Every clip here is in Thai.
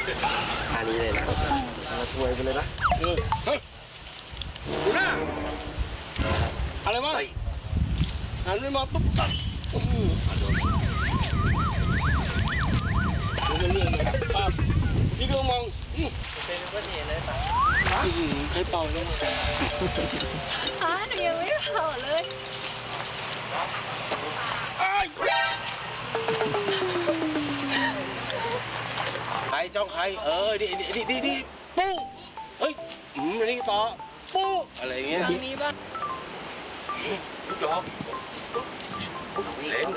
อันนี้เลยนะมาถวยไปเลยนะเฮ้ยดูหน้าอะไรวะหันไปมาปุ๊บตัดดูเรื่องเลยป้าพี่ก็มองเป็นก็เห็นเลยป่ะให้เป่าเลยหนูยังไม่เผาเลยใครจ้องใครดิปุ๊เฮ้ยนี่ต่อปุ๊อะไรเงี้ยนี้บ้างลูกดอกเล่น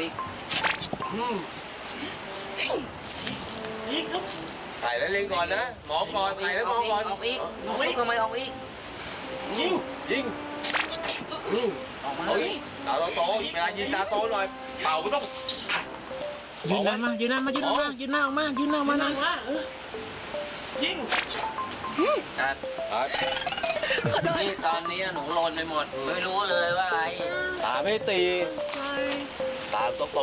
ใส่แล้วเล่นก่อนนะมองก่อนใส่แล้วมองก่อนออกอีกทำไมออกอีกยิงเอาอีกตาโตเวลายิงตาโตหน่อยเป่าไม่ต้องยืนหน้ามายืนหน้ามายืนหน้ามายืนหน้ามายืนหน้ามานะยิงจัดนี่ตอนนี้หนูโลนไปหมดไม่รู้เลยว่าอะไรตาไม่ตีตาโต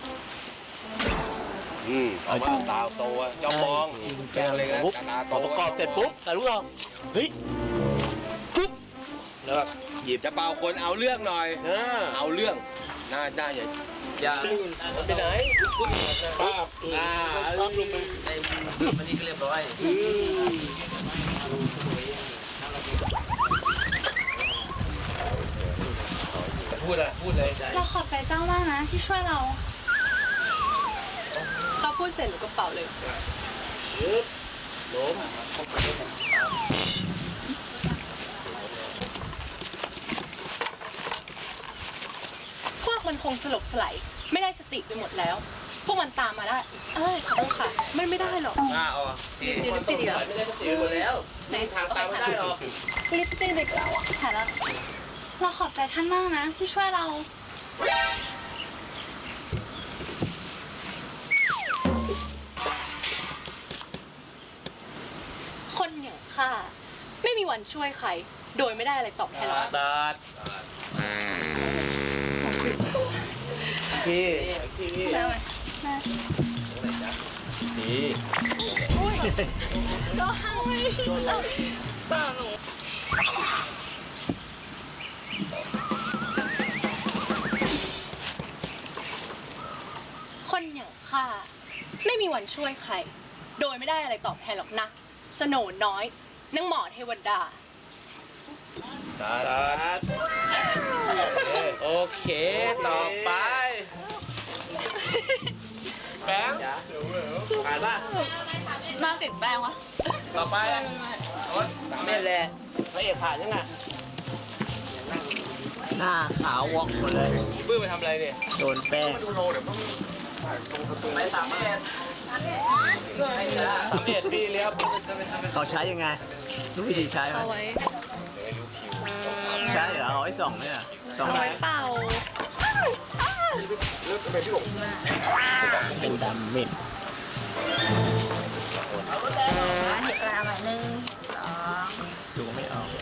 เอามาตาโตจ้องมองแก้เลยนะตาโตประกอบเสร็จปุ๊บใส่ลูกดอกเฮ้ยปุ๊บแล้วแบบหยิบจะเป่าคนเอาเรื่องหน่อยเอาเรื่องหน้าอย่าไปไหนป้าต้องลงไปไอ้มันนี่ก็เรียบร้อยพูดเลยเราขอบใจเจ้ามากนะที่ช่วยเราเขาพูดเสร็จหนูก็เป่าเลยล้มพวกมันคงสลบสลายไม่ได้สติไปหมดแล้วพวกมันตามมาได้ขอโทษค่ะไม่ได้หรอกลิปสติกไม่ได้สติหมดแล้วในทางตามไม่ได้หรอกลิปสติกเด็กเราค่ะแล้วเราขอบใจท่านมากนะที่ช่วยเราคนอย่างข้าไม่มีวันช่วยใครโดยไม่ได้อะไรตอบแทนหรอกพี่ได้ไหมนี่ก็ให้ป้าหนูคนอย่างข้าไม่มีวันช่วยใครโดยไม่ได้อะไรตอบแทนหรอกนะสโหน่น้อยนางหมอเทวดาโอเคต่อไปแป้งผ่านป่ะมาติดแป้งวะต่อไปไม่แหละพระเอกผ่านยังไงหน้าขาววอกหมดเลยปื้มไปทำอะไรเนี่ยโดนแป้งไม่3 1พี่เลี้ยวเขาใช้ยังไงรู้วิธีใช้ไหมใช่เหรอเอาไว้ส่องเนี่ยส่องไว้เป่าเป็นดำมิดเห็ดปลาหน่อยนึง2 ดูไม่ออก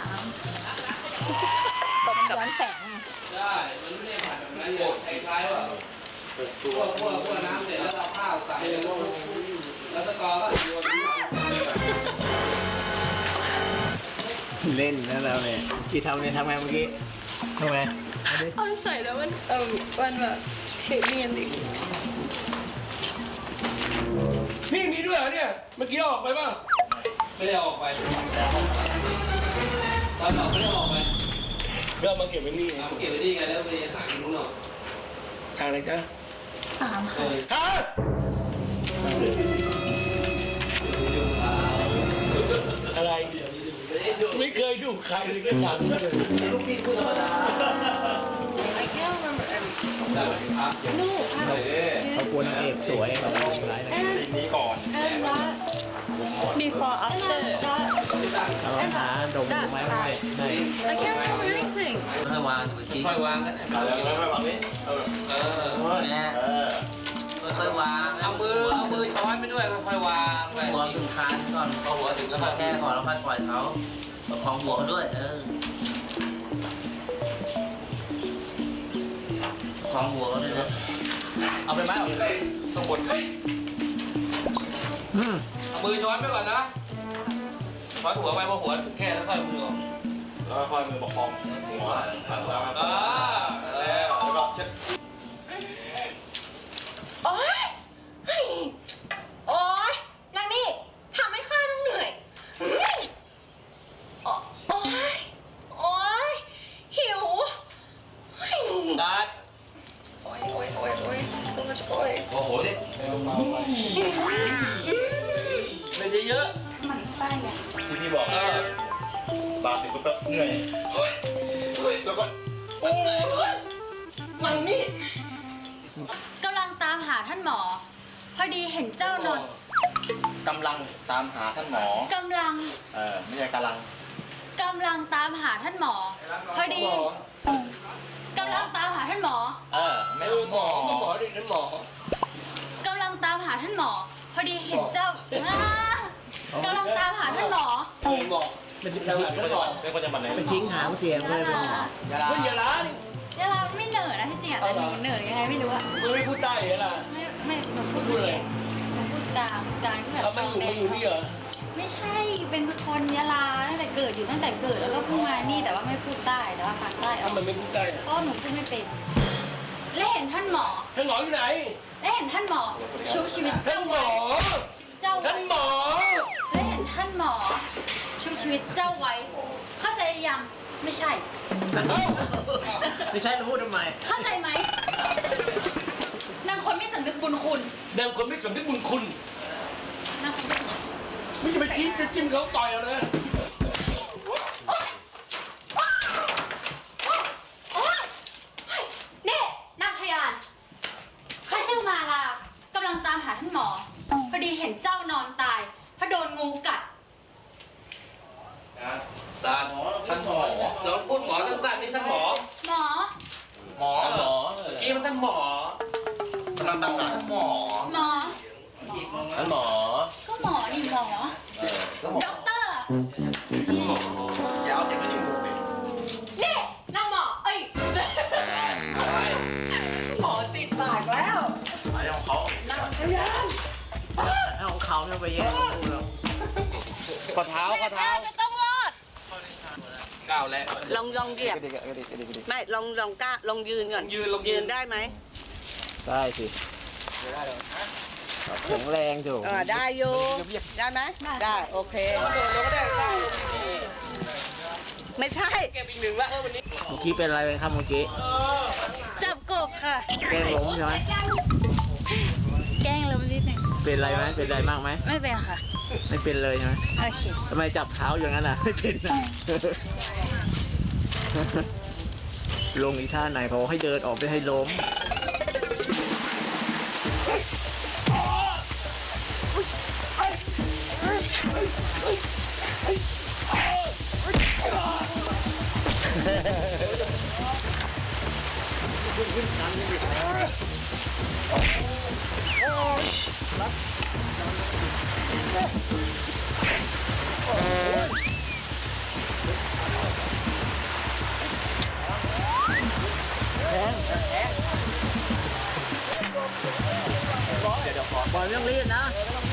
3ตบกับแสงใช่มันไม่ได้ผ่านแบบนั้นเลยคล้ายๆว่าพวกน้ำเสร็จแล้วเราข้าวใส่แล้วตะกอก็โยนเล่นนะเราเนี่ยกี่ทำเนี่ยทำไงเมื่อกี้ทำไงเอาใส่แล้วมันแบบเห็นเนียนดินี่มีด้วยเหรอเนี่ยเมื่อกี้ออกไปป่ะไม่ได้ออกไปตอนออกไม่ได้ออกไปเรื่องมาเก็บไว้นี่เก็บไว้ดีไงแล้วไปหากินข้างนอกทางอะไรจ๊ะ 3ค่ะฮะอะไรไม่เคยดูใครเลยก็จังลูกพี่พูดธรรมดา I can't remember everything no เขาควรเอกสวยเราเป็นไรนี้ก่อน and that before after เราหาดมไม้มาได้ I can't remember anything ค่อยวางไปทีค่อยวางกันค่อยวางนี้แม่ค่อยวางเอามือช้อนไปด้วยค่อยวางไปหัวถึงคานก่อนพอหัวถึงแล้วแค่พอแล้วค่อยปล่อยเขาประคองหัวเขาด้วยของหัวเขาด้วยนะเอาไปไหมต้องบดเอาเอามือช้อนไปก่อนนะช้อนหัวไปพอหัวถึงแค่แล้วค่อยมือออกแล้วก็ค่อยมือประคองหัวแล้วก็แล้วเช็ดโอ๊ยเฮ้ยโอ๊ยนางนี่ทำให้ข้าต้องเหนื่อยเฮ้ยโอ๊ยโอ๊ยหิวเฮ้ยดัดโอ๊ยโอ๊ยโอ๊ยโอ๊ยสู้กับโอ๊ยโอ้โหดิเป็นเยอะมันไส้อะที่พี่บอกๆบาดเสร็จก็เหนื่อยแล้วก็นางนี่กำลังตามหาท่านหมอ พอดีเห็นเจ้านนท์กำลังตามหาท่านหมอกำลังไม่ใช่กำลังตามหาท่านหมอ พอดีกำลังตามหาท่านหมอไม่หมอก็หมอดินั่นหมอกำลังตามหาท่านหมอ พอดีเห็นเจ้ากำลังตามหาท่านหมอหมอเป็นทหารท่านหมอเป็นคนจังหวัดไหนเป็นทิ้งหางเสียงเลยเป็นเฮ้ยอย่าล้าดิเดี๋ยวเราไม่เหนื่อยนะที่จริงอ่ะแต่หนูเหนื่อยยังไงไม่รู้อ่ะมันไม่พูดได้เหรอล่ะไม่หนูพูดพูดเลยหนูพูดกลางก็แบบเขาไม่อยู่นี่เหรอไม่ใช่เป็นคนยะลาตั้งแต่เกิดอยู่ตั้งแต่เกิดแล้วก็เพิ่งมานี่แต่ว่าไม่พูดใต้แต่ว่าภาคใต้ออกทำไมไม่พูดได้เพราะหนูพูดไม่เป็น และเห็นท่านหมอท่านหมออยู่ไหนและเห็นท่านหมอชุบชีวิตท่านหมอเจ้าท่านหมอและเห็นท่านหมอชุบชีวิตเจ้าไว้ เข้าใจยังไม่ใช่ไม่ใช่จะพูดทำไมเข้าใจไหมนางคนไม่สำนึกบุญคุณนางคนไม่สำนึกบุญคุณนางคนไม่สำนึกไม่จะไปจิ้มเขาต่อยเอานะนี่นางพยานข้าชื่อมาลากำลังตามหาท่านหมอ พอดีเห็นเจ้านอนตายเพราะโดนงูกัดตาท่านหมอเราพูดหมอสั้นๆนี่ท่านหมอหมอหมอหมอกี้มันท่านหมอกำลังตามหาท่านหมอหมอท่านหมอก็หมอนี่หมอด็อกเตอร์อย่าเอาเสียงขึ้นจมูกดินี่นางหมอเอ้ยหมอติดปากแล้วสายของเขาเอาของเขาเนี่ยไปแย่งพูดแล้วข้อเท้าจะต้องรอดก้าวแล้วลองเหยียบไม่ลองกล้าลองยืนก่อน ยืนได้ไหมได้สิแข็งแรงถูกได้อยู่ได้ไหมได้โอเคไม่ใช่เก็บอีกหนึ่งละวันนี้เมื่อกี้เป็นอะไรไปครับเมื่อกี้จับกบค่ะแกล้งล้มใช่ไหมแกล้งล้มนิดหนึ่งเป็นอะไรไหมเป็นอะไรมากไหมไม่เป็นค่ะไม่เป็นเลยใช่ไหมโอเคทำไมจับเท้าอย่างนั้นอ่ะ ไม่เป็นอ่ะ ลงอีท่าไหนเขาให้เดินออกไปให้ล้ม บอลไม่ต้องรีบนะ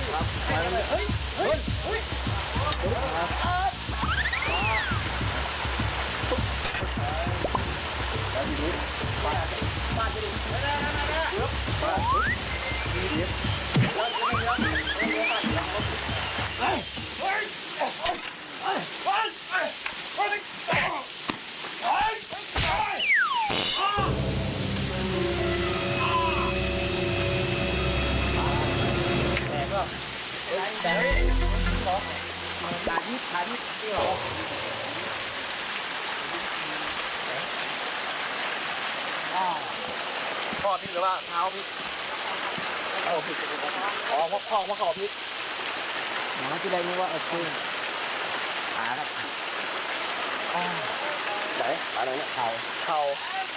ข้อพลิกหรือว่าเท้าพลิกเอาพลิกอ๋อเพราะข้อเพราะเขาพลิกหมอที่ได้รู้ว่าคือขาครับไหนขาไหนเนี่ยเข่าเข่า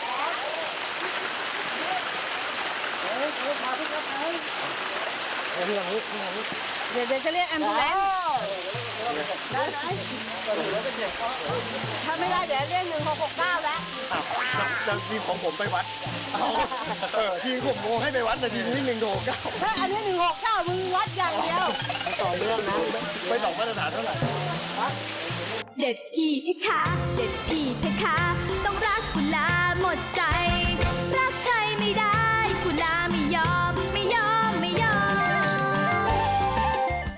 ที่ทางนี้ที่ทางนี้เดี๋ยวจะเรียกแอมบูเลนซ์ได้ไหมถ้าไม่ได้เดี๋ยวเรียก1669แล้วจะทีมของผมไปวัดทีมผมโมให้ไปวัดแต่ทีมนี้169 ถ้าอันนี้169มึงวัดอย่างเดียวต่อเรื่องนะไม่ต้องมาตรฐานเท่าไหร่เด็ดอีกค่ะเด็ดอีกค่ะต้องรักกุลาหมดใจ